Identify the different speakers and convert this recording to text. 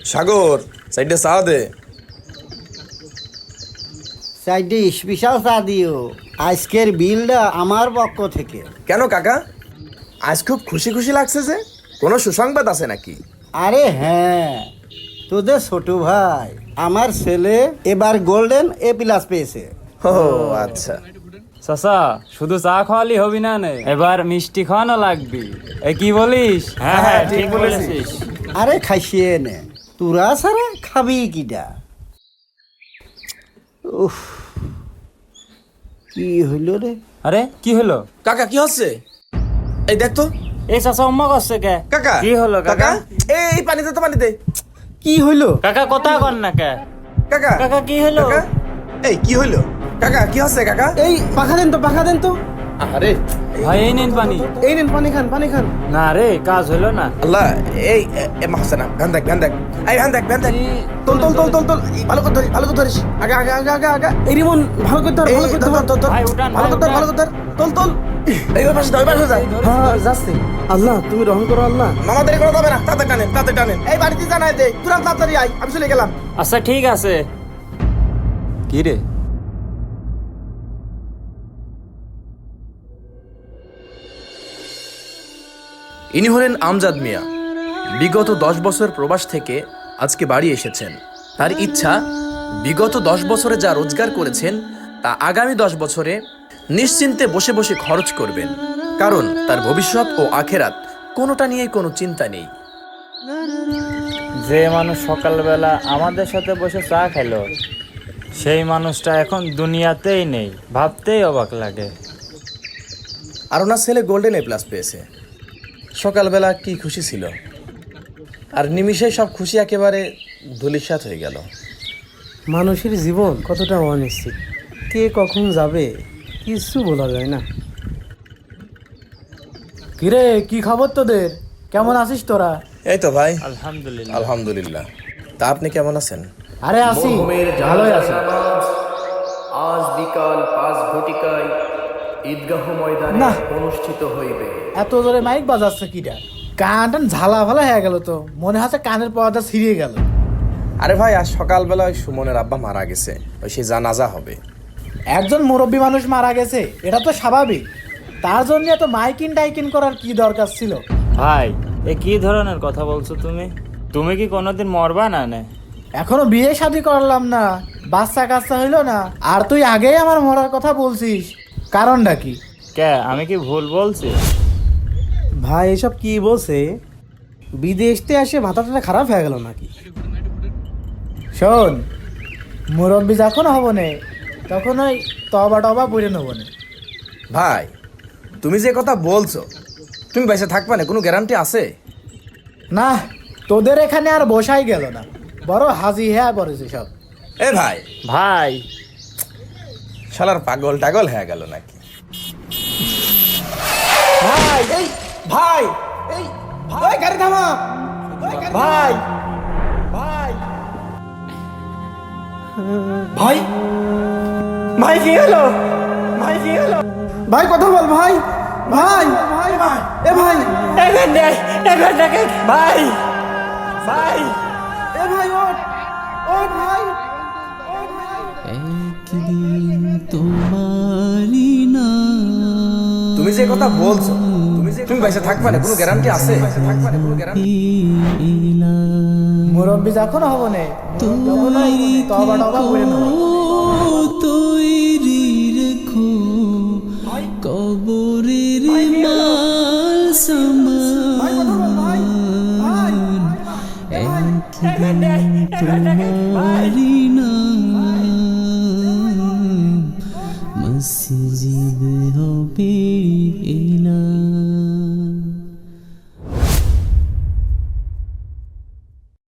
Speaker 1: সাগর সাইডে চা দে।
Speaker 2: সাইডে স্পেশাল চা দিও, আজকের বিলটা আমার পক্ষ থেকে।
Speaker 1: কেন কাকা, আজ খুব খুশি খুশি লাগছে যে, কোনো সুসংবাদ আছে নাকি?
Speaker 2: আরে হ্যাঁ, তোদের ছোট ভাই আমার ছেলে এবার গোল্ডেন A+ পেয়েছে।
Speaker 1: ও আচ্ছা।
Speaker 3: চাচা শুধু চা খাওয়ালি হবি না নে, এবার মিষ্টি খাওয়ানো লাগবি। এ কি বলিস?
Speaker 1: হ্যাঁ, হ্যাঁ, ঠিক বলেছিস।
Speaker 2: আরে খাইছিয়ে নে, তোরা ছাড়া খাবি কিটা? উফ, কি হইল রে?
Speaker 3: আরে কি হলো?
Speaker 1: কাকা কি হচ্ছে? এই দেখ তো।
Speaker 3: এই চাচা উম্মা করছে কে?
Speaker 1: কাকা
Speaker 3: কি হলো কাকা?
Speaker 1: এই পানিতে তো পানিতে।
Speaker 2: কি হইল?
Speaker 3: কাকা কথা কর না কে?
Speaker 1: কাকা
Speaker 3: কাকা কি হলো?
Speaker 1: কাকা, এই কি হইলো? কাকা কি হচ্ছে কাকা?
Speaker 2: এই পাখা দেন তো, পাখা দেন তো।
Speaker 1: আরে
Speaker 3: ভাই এই নিন পানি।
Speaker 2: এই নেন পানি খান, পানি খান।
Speaker 3: না রে কাজ হলো না।
Speaker 1: আল্লাহ, এই মাহসানা ভ্যান দেখ, ভ্যান দেখ, এই ভ্যান দেখ, ভ্যান দেখ। তোল তোল তোল তোল তোল, ভালো করে ধরিস, ভালো করে ধরিস। আগে আগে আগে আগে আগে।
Speaker 2: এই রিমন ভালো করে ধর, ভালো করে ধর।
Speaker 1: ধর,
Speaker 3: ভাই উঠান,
Speaker 1: ভালো করে ধর,
Speaker 3: ভাই
Speaker 1: ভালো করে ধর। তোল তোল। এই পাশে দাও, এই পাশে দাও।
Speaker 2: হ্যাঁ যাচ্ছে। আল্লাহ তুমি রহম করো আল্লাহ।
Speaker 1: মামা দেরি করা যাবে না, তাতে টানেন, তাতে টানেন। এই বাড়িতে জানাই দে, তুরান তাড়াতাড়ি আয়, আমি চলে গেলাম।
Speaker 3: আচ্ছা ঠিক আছে। কি রে?
Speaker 1: ইনি হলেন আমজাদ মিয়া। বিগত 10 বছর প্রবাস থেকে আজকে বাড়ি এসেছেন। তার ইচ্ছা, বিগত 10 বছরে যা রোজগার করেছেন তা আগামী 10 বছরে নিশ্চিন্তে বসে বসে খরচ করবেন, কারণ তার ভবিষ্যৎ ও আখেরাত কোনোটা নিয়েই কোনো চিন্তা নেই।
Speaker 3: যে মানুষ সকালবেলা আমাদের সাথে বসে চা খেলো, সেই মানুষটা এখন দুনিয়াতেই নেই। ভাবতেই অবাক লাগে।
Speaker 1: আর ওনার ছেলে গোল্ডেন A+ পেয়েছে। সকালবেলা কি খুশি ছিল, আর নিমিষেই সব খুশি একেবারে ধূলিসাৎ হয়ে গেল।
Speaker 4: মানুষের জীবন কতটা অনিশ্চিত, কে কখন যাবে কিছু বলা যায় না। কিরে কি খবর তোদের, কেমন আছিস তোরা?
Speaker 1: এই তো ভাই,
Speaker 3: আলহামদুলিল্লাহ।
Speaker 1: আলহামদুলিল্লাহ। তা আপনি কেমন আছেন?
Speaker 4: আরে আছি, ভালোই আছি।
Speaker 5: আজ বিকাল 5 ঘটিকায় ঈদগাহ ময়দানে
Speaker 4: না।
Speaker 5: অনুষ্ঠিত হইবে।
Speaker 4: এত জোরে মাইক বাজাচ্ছে কিটা? কান টান ঝালা ফালা হয়ে গেল তো, মনে হচ্ছে কানের পর্দা ছিঁড়িয়ে গেল।
Speaker 1: আরে ভাই, আজ সকালবেলা ওই সুমনের আব্বা মারা গেছে, ওই সে জানাজা হবে।
Speaker 4: একজন মুরব্বী মানুষ মারা গেছে, এটা তো স্বাভাবিক। তার জন্য এত মাইকিন টাইকিন করার কি দরকার ছিল?
Speaker 3: ভাই এ কি ধরনের কথা বলছো তুমি? তুমি কি কোনোদিন মরবা না নে?
Speaker 4: এখনো বিয়ে শাদী করলাম না, বাচ্চা কাচ্চা হইলো না, আর তুই আগেই আমার মরার কথা বলছিস, কারণটা কি?
Speaker 3: কে, আমি কি ভুল বলছি?
Speaker 4: ভাই এসব কি বলছে? বিদেশতে এসে মাথাটা খারাপ হয়ে গেল নাকি? শোন, মুরব্বী যখন হব নে তখন ওই তবা টবা পড়ে নেব নে।
Speaker 1: ভাই, তুমি যে কথা বলছো, তুমি বেঁচে থাকবে না কোনো গ্যারান্টি আছে?
Speaker 4: না, তোদের এখানে আর বসাই গেল না, বড় হাজি হ্যাঁ পড়েছে সব।
Speaker 1: এ ভাই,
Speaker 3: ভাই
Speaker 1: শালার পাগল টাগল হয়ে গেল নাকি?
Speaker 4: ভাই এই ভাই এই ভাই গাড়ি থামা। ভাই ভাই ভাই ভাই কি হলো? ভাই কি হলো? ভাই কথা বল ভাই। ভাই ভাই ভাই এ ভাই ভাই ভাই এ ভাই ওঠ ওঠ ভাই ওঠ ভাই।
Speaker 6: একদিন তোমারি না
Speaker 1: তুমি যে কথা বলছো, তুমি বেঁচে থাকবে না কোনো গ্যারান্টি আছে?
Speaker 4: মুরব্বী যখন হব নে তখন ওই তবা টবা পড়ে নেব।
Speaker 6: তৈরি রেখো কবরের মাল সামান, একদিন তোমারি না মসজিদ হবে।